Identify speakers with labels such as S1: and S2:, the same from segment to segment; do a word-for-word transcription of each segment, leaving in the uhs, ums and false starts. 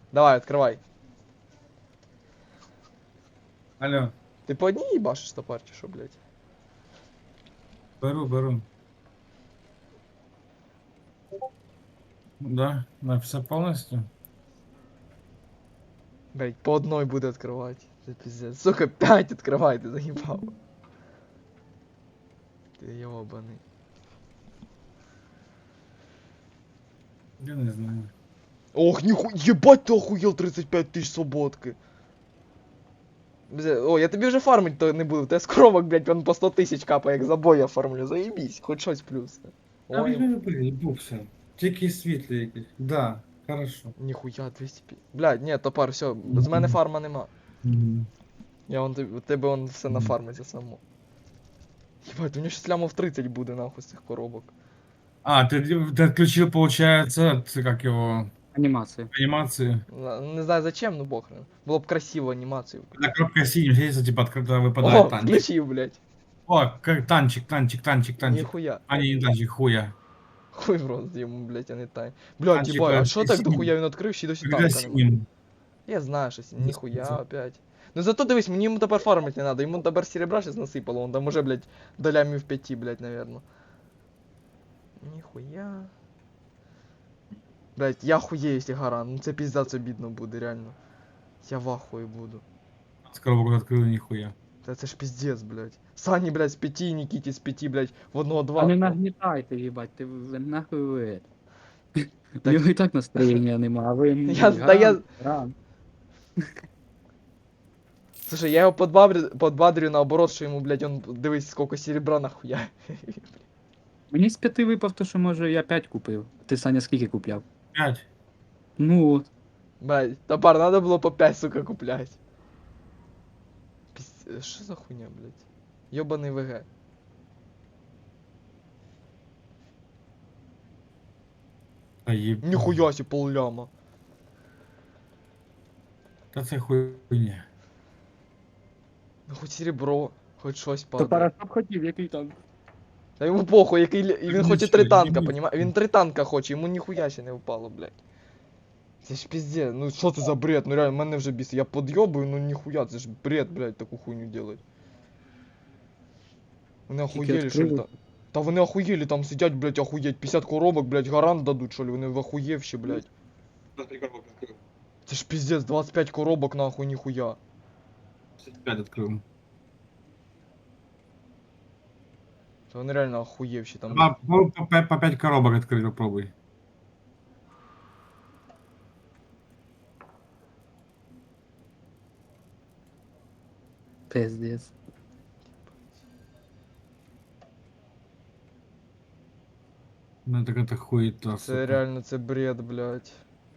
S1: Давай, открывай.
S2: Алло,
S1: Ты по одній їбашиш топар чи що, блядь?
S2: беру, беру. Да, на все полностью.
S1: Блядь, по одной буду открывать. Это пиздец. Сука, пять открывай, ты заебал. Ты ебаный.
S2: Я не знаю.
S1: Ох, нихуя, ебать ты охуел, тридцать пять тысяч свободки. Бля, о, я тобі вже фармить то не буду. Те скромок, блядь, он по сто тисяч капає, як за бой я фармлю. Заебись, хоч щось плюс.
S2: А
S1: Ой,
S2: візьми любий, їбувся. Тільки світлі якісь. Да, хорошо.
S1: ніхуя двісті п'ять. Блядь, ні, топар, все, з мене фарма нема.
S2: Мгм.
S1: Я вон тобі- у тебе он все
S2: Мгм.
S1: нафармиться само. Єбать, у нього щось лямов тридцять буде нахуй з цих коробок.
S2: А, ты, ты отключил, получается, ты как его,
S3: Анімацію.
S2: анимацию.
S1: На- Не знаю зачем, ну бохрен. Було б красиво анімацію.
S2: Когда кнопка синим светится, типа открыто
S1: О,
S2: выпадает танчик.
S1: включив, блядь.
S2: О, как танчик, танчик, танчик, танчик.
S1: Ніхуя.
S2: А, не, не танчик, хуя.
S1: Хуй в рот йому, блядь, а не тай. Блядь,
S2: Танчик,
S1: єбать, а
S2: э,
S1: що так
S2: синім.
S1: дохуя він відкрив, ще й досі
S2: Когда
S1: танка нема.
S2: синим.
S1: Я знаю, що синім, ніхуя
S2: Засвітиться.
S1: опять. Ну зато дивись, мені йому тепер фармить не надо, йому тепер серебра щас насипало, он там уже, блядь, долями в п'яти, блядь, наверно. Ніхуя. Блядь, я хуєю, якщо гаран, ну це піздець обідно буде, реально. Я в ахуї буду.
S2: С коробок открыл, нихуя.
S1: Та це ж піздець, блядь. Сані, блядь, з п'яти, Нікіті з п'яти, блядь, в одного два.
S3: А не нагнітайте, їбать, ти ви нахуй ви. У нього і так настроєння нема, а ви м,
S1: Я- та я-
S3: грам, грам.
S1: Слушай, я його подбадрю, подбадрю наоборот, що йому, блядь, он, дивись, сколько серебра нахуя.
S3: Мені з п'яти випав то, що може я п'ять купив. Ти, Саня, скільки купляв?
S2: Пять.
S3: Ну от.
S1: Блядь, топар надо было по пять, сука, куплять. Пиздец, что за хуйня, блядь? Ёбаный ВГ.
S2: Да еб...
S1: Нихуя себе полляма.
S2: Да це хуйня.
S1: Ну хоть серебро, хоть щось
S3: То
S1: падає.
S3: Парашов хотів, який там.
S1: Та йому похуй, який... лі- Він
S2: Ну
S1: хоче
S2: чого,
S1: три
S2: не
S1: танка,
S2: міг.
S1: понімаєш? Він три танка хоче, йому ніхуя ще не впало, блядь. Це ж пиздец, ну що це за бред? Ну реально, мене вже бісить. Я подйобую, ну ніхуя, це ж бред, блядь, таку хуйню делать. Вони
S3: Тільки
S1: охуєлі, що ли,
S3: відкрили.
S1: та... Та вони охуєлі, там сидять, блядь, охуєть. п'ятдесят коробок, блядь, гарант дадуть, що ли, вони в охуєвші, блядь. Це ж пиздец, двадцать пять коробок, нахуй, ніхуя.
S2: Пять открыл.
S1: Це вони реально охуєвші там.
S2: А, по, по, пять- по пять коробок открыть, попробуй.
S3: Пиздец.
S2: Ну так это хуета,
S1: Це
S2: сука.
S1: реально, це бред, блядь.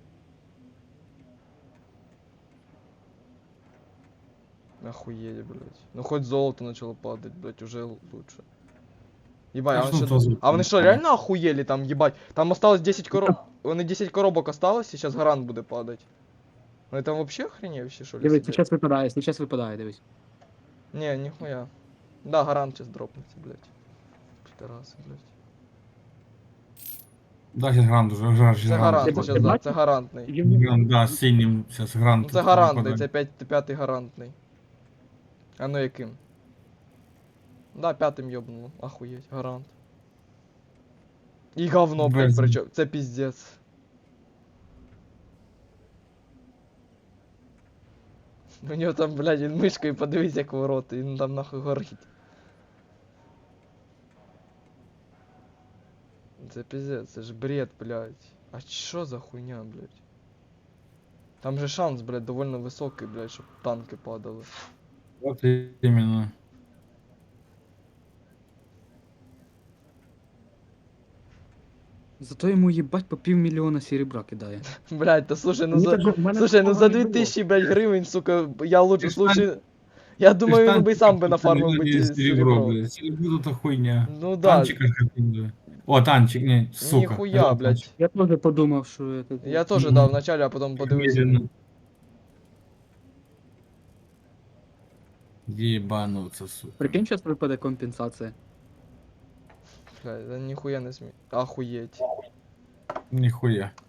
S1: Охуеть, блядь. Ну хоть золото начало падать, блядь, уже лучше. Ебать, а,
S2: А
S1: он
S2: что
S1: что...
S2: то золото
S1: а вони
S2: не
S1: что,
S2: падає?
S1: реально охуели там, ебать? Там осталось десять коробок. Вони десять коробок осталось, и сейчас гарант будет падать. Ну это вообще охреневще, что ли?
S3: Дивись,
S1: себе?
S3: зараз випадає, зараз випадає, дивись.
S1: Не, нихуя. Да, гарант сейчас дропнется, блядь. Пидорасы, блядь.
S2: Да, сейчас грант уже, уже
S1: Це гарант,
S3: Ти
S1: сейчас, да,
S3: бачиш?
S1: це гарантний.
S3: Він-
S2: Грант, да, с синим сейчас грант.
S1: Ну це гарантний, це п'ять, п'ятий гарантний. А ну яким? Да, п'ятим ёбнуло, охуеть, гарант. І говно, блядь,
S2: Без-
S1: причем, це пиздец. У нього там, блядь, він мишкою подивись, як ворота, він там нахуй горить. Це пиздец, це ж бред, блядь. А що за хуйня, блядь? Там же шанс, блядь, довольно високий, блядь, щоб танки падали.
S2: Вот именно.
S3: Зато йому їбать по півмільйона серебра кидає.
S1: Блядь, та слушай, ну
S3: Мені
S1: за...
S3: такого- в мене
S1: Слушай, ну
S3: такого
S1: за
S3: не
S1: дві
S3: було.
S1: тисячі, блядь, гривень, сука, я лучше,
S2: Ти ж
S1: лучше... Я думаю,
S2: Ты ж
S1: він би сам би
S2: танчик
S1: нафармив би
S2: купил,
S1: ті
S2: серебро,
S1: серебро.
S2: блядь. Серебро это хуйня.
S1: Ну да,
S2: Танчик хотел. О, танчик, не, сука.
S1: ніхуя,
S2: Вот
S1: блядь.
S2: танчик.
S3: Я теж подумав, що это...
S1: Я тоже,
S2: Мгм.
S1: да, вначале, а потом подивився.
S2: Медленно. Ебануться, сука.
S3: Прикинь, зараз випаде компенсація.
S1: Блядь, да ніхуя не смій. Охуєть.
S2: Нихуя.